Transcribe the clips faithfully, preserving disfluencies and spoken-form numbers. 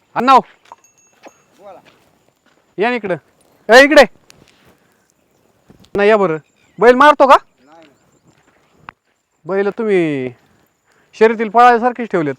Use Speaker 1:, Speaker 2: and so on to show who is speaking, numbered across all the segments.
Speaker 1: अण्णाव
Speaker 2: बोला.
Speaker 1: या ना इकडं. ए इकडे नाही या बरं. बैल मारतो का?
Speaker 2: नाही नाही.
Speaker 1: बैल तुम्ही शर्यतील पळायसारखेच ठेवलेत.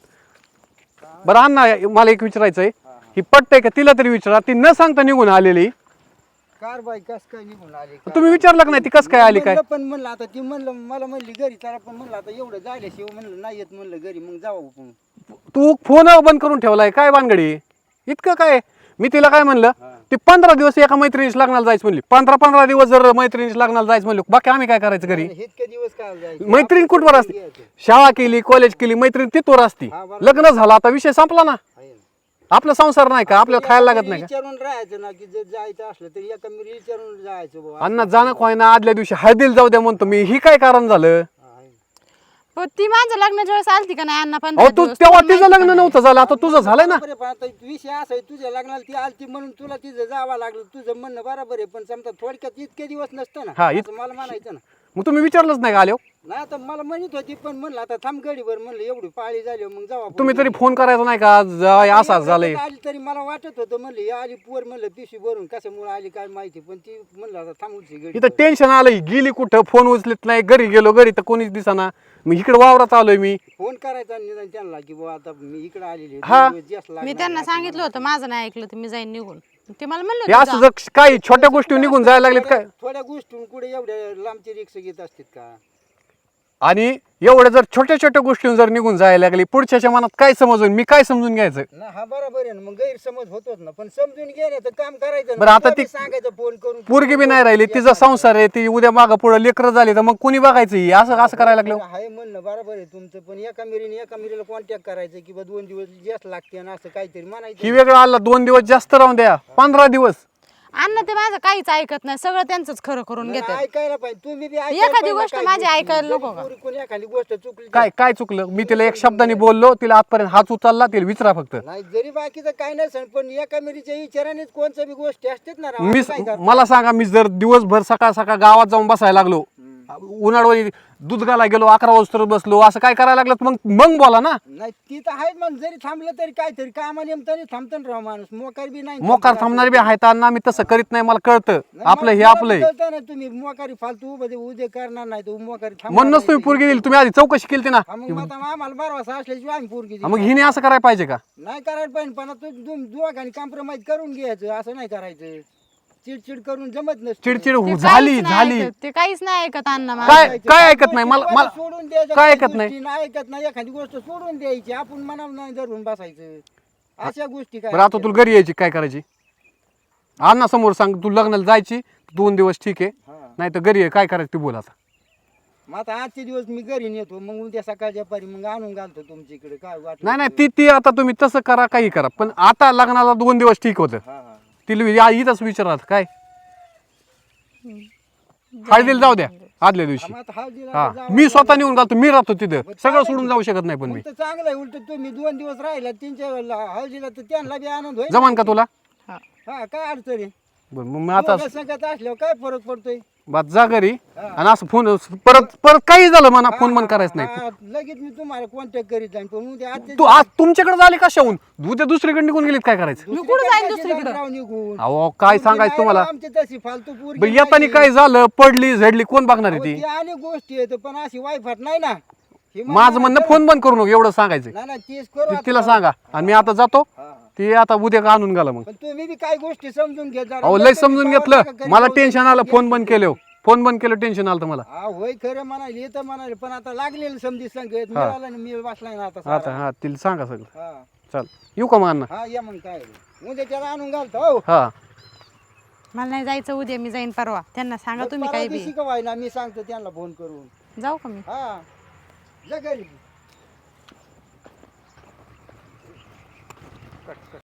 Speaker 1: बरं अण्णा मला एक विचारायचं आहे, ही पटतंय का तिला तरी विचारा. ती न सांगता निघून आलेली.
Speaker 2: कार बाई कस काय निघून आली कार
Speaker 1: तुम्ही
Speaker 2: बाई.
Speaker 1: विचारलं का नाही ती कसं काय आली काय?
Speaker 2: म्हणलं पण म्हणलं आता ती म्हणलं मला म्हणली घरी चला, पण म्हणलं आता एवढं जायल्याशिवाय म्हणलं नाही येत म्हणलं घरी, मग जाऊ आपण.
Speaker 1: तू फोन बंद करून ठेवलाय काय भानगडी? इतकं काय? मी तिला काय म्हणलं, ती पंधरा दिवस एका मैत्रिणीच लग्नाला जायचं म्हणली. पंधरा पंधरा दिवस जर मैत्रिणीच लग्नाला जायचं म्हणलं, बाकी आम्ही काय करायचं घरी?
Speaker 2: इतके दिवस काय जायचं?
Speaker 1: मैत्रीण कुठवर असते? शाळा केली, कॉलेज केली, मैत्रीण तिथवर असती.
Speaker 2: हा, बरोबर.
Speaker 1: लग्न झालं आता विषय संपला ना.
Speaker 2: आहे ना.
Speaker 1: आपला संसार नाही का? आपल्याला खायला लागत नाही का?
Speaker 2: विचारून राहायचं ना, की जर जायचं असलं तर एका मी विचारून जायचं बाबा.
Speaker 1: अण्णा जाणं खोय ना, आदल्या दिवशी हळदीला जाऊ द्या म्हणतो मी. ही काय कारण झालं?
Speaker 2: हा, आहे ना.
Speaker 3: पण ती माझ्या लग्नाच्या वेळेस आलती का नाही अण्णा? पण
Speaker 1: अहो तू तेव्हा तिचं लग्न नव्हतं झालं, आता तुझं झालंय ना.
Speaker 2: बरोबर आहे, पण आता विषय असा आहे, तुझ्या लग्नाला ती आलती म्हणून तुला तिथं जावं लागलं. तुझं म्हणणं बरोबर आहे, पण समजा थोडक्यात इतके दिवस नसतं ना.
Speaker 1: हा, इत-
Speaker 2: असं मला म्हणायचं ना.
Speaker 1: मग तुम्ही विचारलंच नाही का आलो?
Speaker 2: नाही आता मला म्हणत होती, पण म्हणलं आता थांब गडीवर, म्हणलं एवढी पाळी झाली मग जाऊ आपण.
Speaker 1: तुम्ही तरी फोन करायचा नाही का? जा, असा झालंय.
Speaker 2: आली तरी मला वाटत होतं, म्हणलं ही आली पोर, म्हणलं पिशवी भरून कशामुळे आली काय माहिती, पण ती म्हणलं आता थांबूची गडी.
Speaker 1: इथं टेन्शन आलंय. गेली कुठं, फोन उचलत नाही. घरी गेलो, घरी तर कोणीच दिसाना. मी इकडे वावरात आलोय मी.
Speaker 2: फोन करायचा निदान त्यांना की बाबा आता मी इकडे आलेली आहे,
Speaker 1: हा.
Speaker 2: दोन दिवस जास्त लागणार
Speaker 3: मी त्यांना
Speaker 2: आहे.
Speaker 3: सांगितलं होतं, माझं नाही ऐकलं तर मी जाईन निघून. ते मला
Speaker 1: हे
Speaker 3: म्हणलं
Speaker 1: असं
Speaker 3: होतं,
Speaker 1: जर काही छोट्या गोष्टी निघून जायला लागलेत काय?
Speaker 2: थोड्या गोष्टी कुठे एवढ्या लांबची रिक्षा घेत असतात का?
Speaker 1: आणि एवढ्या जर छोट्या छोट्या गोष्टी जर निघून जायला लागली, पुढच्याच्या मनात काय समजून, मी काय समजून घ्यायचं?
Speaker 2: ना हा बरोबर आहे ना, मग गैरसमज होतोच ना, पण समजून घे ना, तर काम करायचं ना.
Speaker 1: बरं, आता
Speaker 2: तुला
Speaker 1: ती-
Speaker 2: बी सांगायचं फोन करून.
Speaker 1: पोरगी बी नाही राहिली, तिचा संसार आहे, ती उद्या मागं पुढं लेकरं झाली तर मग कुणी बघायचं? ही असं असं करायला लागलं.
Speaker 2: आहे म्हणणं बरोबर आहे तुमचं, पण एका मिरीने एका मिरीला कॉन्टॅक्ट करायचं की बा दोन दिवस जास्त लागते ना, असं काहीतरी म्हणायचं.
Speaker 1: ही वेगळं आला, दोन दिवस जास्त राहून द्या, पंधरा दिवस.
Speaker 3: अण्णा ते माझं काहीच ऐकत नाही, सगळं त्यांचंच खरं करून
Speaker 2: नाही,
Speaker 3: घेतात.
Speaker 2: ऐकायला पाहिजे तुम्ही बी ऐकायला
Speaker 3: एखादी
Speaker 2: पाहिजे
Speaker 3: गोष्ट
Speaker 2: काही
Speaker 3: माझी
Speaker 2: गोष्टी.
Speaker 3: ऐकायला
Speaker 2: जरी
Speaker 3: नको का?
Speaker 2: पोरी कोणी एखादी गोष्ट चुकली तर-
Speaker 1: काय काय चुकलं? मी तिला एक शब्दाने बोललो, तिला आजपर्यंत हात उचलला, तिला विचारा फक्त.
Speaker 2: नाही जरी बाकीचं काय नसेल, पण एका मिरीच्या विचारानेच कोणत्या बी गोष्टी असतात ना राव,
Speaker 1: मी
Speaker 2: असं काय करता?
Speaker 1: मला सांगा, मी जर दिवसभर सकाळ सकाळ गावात जाऊन बसायला लागलो, उन्हाळी दूध घाला गेलो, अकरा वाजता बसलो, असं काय करायला लागलं मग मग बोला ना.
Speaker 2: नाही ती तर आहे, मग जरी थांबलं तरी काहीतरी कामा निमताने थांबतं ना राव माणूस, मोकार बी नाही
Speaker 1: मोकार थांबणारे बी आहेत अण्णा, मी तसं करीत नाही, मला कळतं.
Speaker 2: नाही,
Speaker 1: आपलं हे
Speaker 2: मला
Speaker 1: आपलंय
Speaker 2: कळतं ना, तुम्ही मोकारी फालतू उभे उद्या करणार नाही तर मोकारी थांबणार
Speaker 1: म्हणूनच तुम्ही
Speaker 2: नाही.
Speaker 1: पोरगी दिली. तुम्ही आधी चौकशी केली ना.
Speaker 2: हा, मग आता आम्हाला भरवसा असल्याशिवाय आम्ही पोरगी
Speaker 1: हा, मग
Speaker 2: दिली.
Speaker 1: हिने असं करायला पाहिजे का?
Speaker 2: नाही करायला पाहिजे, पण आता तुम्ही दोघांनी कॉम्प्रोमाइज करून घ्यायचं, असं नाही करायचं. चिडचिड करून जमत नसतं.
Speaker 1: चिडचिड
Speaker 3: ते
Speaker 1: हो-
Speaker 3: काहीच
Speaker 1: झाली
Speaker 3: नाही
Speaker 1: झाली
Speaker 3: ऐकत, ते काहीच नाही ऐकत अण्णा माझं.
Speaker 1: काय काय ऐकत नाही मला मला
Speaker 2: सोडून द्यायचं,
Speaker 1: काय
Speaker 2: काही
Speaker 1: ऐकत नाही?
Speaker 2: गोष्टी नाही ऐकत नाही, एखादी गोष्ट सोडून द्यायची, आपण मनावर नाही धरून बसायचं. अशा गोष्टी काय
Speaker 1: बरं, आता तुला घरी यायची काय करायची? अण्णा समोर सांग, तू लग्नाला जायची दोन दिवस ठीक आहे,
Speaker 2: हा.
Speaker 1: नाही तर घरी ये, काय करायचं ते बोल आता.
Speaker 2: मग आता आजचे दिवस मी घरी नेतो, मग उद्या सकाळच्या पारी मग आणून घालतो तुमच्या इकडे, काय वाटलं
Speaker 1: नाही नाही ती ती आता तुम्ही तसं करा, काही करा, पण आता लग्नाला दोन दिवस ठीक होतं.
Speaker 2: हा हा
Speaker 1: तिला या- इथंच विचारा काय हळदीला जाऊ द्या आदल्या दिवशी.
Speaker 2: मग आता हळदीला
Speaker 1: हा,
Speaker 2: जावं
Speaker 1: मी स्वतः
Speaker 2: लागलं.
Speaker 1: निघून घालतो, मी राहतो तिथं,
Speaker 2: बरं,
Speaker 1: सगळं
Speaker 2: चालेल
Speaker 1: सोडून
Speaker 2: की.
Speaker 1: जाऊ शकत नाही पण
Speaker 2: मग
Speaker 1: मी.
Speaker 2: तर चांगलं आहे, उलट तुम्ही दोन दिवस राहिला त्यांच्या हळदीला तर त्यांना बी आनंद होईल.
Speaker 1: जमान का तुला?
Speaker 3: हा.
Speaker 2: हा काय अडचण आहे?
Speaker 1: बरं, मग मी आता
Speaker 2: दोघं संगत असल्यावर काय फरक पडतोय?
Speaker 1: बात जा घरी आणि असं फोन परत परत काही झालं म्हणा, फोन बंद करायचं नाही.
Speaker 2: हा, लगेच मी तुम्हाला कॉन्टॅक्ट करीत जाईन, पण उद्या आजच्या
Speaker 1: तू आज तुमच्याकडे झाली कशाहून? उद्या दुसरीकडे निघून गेलीत काय करायचं?
Speaker 3: मी कुठं जाईन
Speaker 2: दिवशी
Speaker 3: दुसरीकडं?
Speaker 2: राव निघून.
Speaker 1: अहो काय सांगायचं तुम्हाला?
Speaker 2: आमची तशी फालतू पोरगी
Speaker 1: बरं, येताना
Speaker 2: नाही.
Speaker 1: काय झालं, पडली झडली, कोण बघणार आहे
Speaker 2: अहो,
Speaker 1: ती?
Speaker 2: ती अनेक गोष्टी आहेत, पण अशी वायफाट नाही ना. हे
Speaker 1: माझं म्हणणं फोन बंद करू नको, एवढं सांगायचं.
Speaker 2: नाही नाही तेच करू आता.
Speaker 1: तिला सांगा आणि मी आता जातो.
Speaker 2: हा, हा.
Speaker 1: ती आता उद्या का आणून गेला मग.
Speaker 2: पण तुम्ही बी काही गोष्टी समजून घ्या जरा.
Speaker 1: अहो लय
Speaker 2: लय
Speaker 1: समजून
Speaker 2: तुम्ही
Speaker 1: घेतलं,
Speaker 2: गावाला घरी
Speaker 1: मला
Speaker 2: जाऊन
Speaker 1: टेन्शन आलं,
Speaker 2: घ्या.
Speaker 1: फोन बंद केलं, फोन बंद केलं, टेन्शन आलं तर मला.
Speaker 2: हा होय खरं म्हणाले येतं म्हणाले, पण आता लागलेलं समजी संगत मिळाला ना, मी बसलाय ना आता
Speaker 1: आता
Speaker 2: सारा.
Speaker 1: हा तिला सांगा सगळं.
Speaker 2: हा
Speaker 1: चल येऊ का मग अण्णा?
Speaker 2: हा या मग काय उद्या त्याला आणून घालतो. हो
Speaker 1: हा
Speaker 3: मला नाही जायचं उद्या, मी जाईन परवा. त्यांना सांगा तुम्ही काही बी.
Speaker 2: दिवशी का व्हायला मी सांगतो त्यांना फोन करून.
Speaker 3: जाऊ का मी?
Speaker 2: हा जा घरी.